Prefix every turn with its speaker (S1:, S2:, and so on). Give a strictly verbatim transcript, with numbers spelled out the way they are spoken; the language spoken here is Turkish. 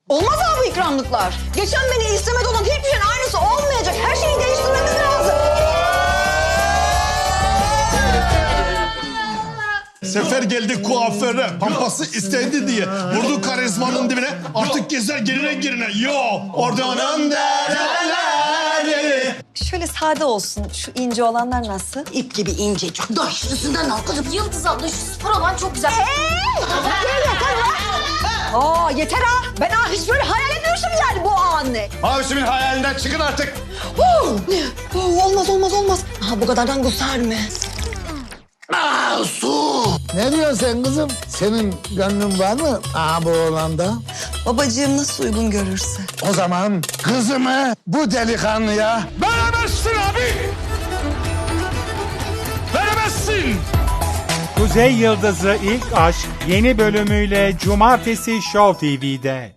S1: Olmaz abi bu ikramlıklar. Geçen beni istemede olan hiçbir şeyin aynısı olmayacak. Her şeyi değiştirmemiz lazım.
S2: Sefer geldi kuaföre, pampası istedi diye. Vurdu karizmanın dibine, artık gezer gerine gerine. Yo, oradan dereleri.
S3: Şöyle sade olsun. Şu ince olanlar nasıl?
S1: İp gibi incecik. Daşlısından al kızım.
S4: Yıldız abla şu spor olan çok güzel.
S1: Aa yeter ha. Ben ha hiç böyle hayal etmiyorsun yani bu anı.
S2: Abisimin hayalinden çıkın artık.
S1: Huu, huu, olmaz olmaz olmaz. Ha bu kadardan kusar mı?
S5: Ne diyorsun sen kızım? Senin gönlün var mı aha bu oğlanda?
S3: Babacığım nasıl uygun görürse.
S5: O zaman kızımı bu delikanlıya
S2: Veremezsin abi. Veremezsin.
S6: Kuzey Yıldızı İlk Aşk yeni bölümüyle Cumartesi Show T V'de.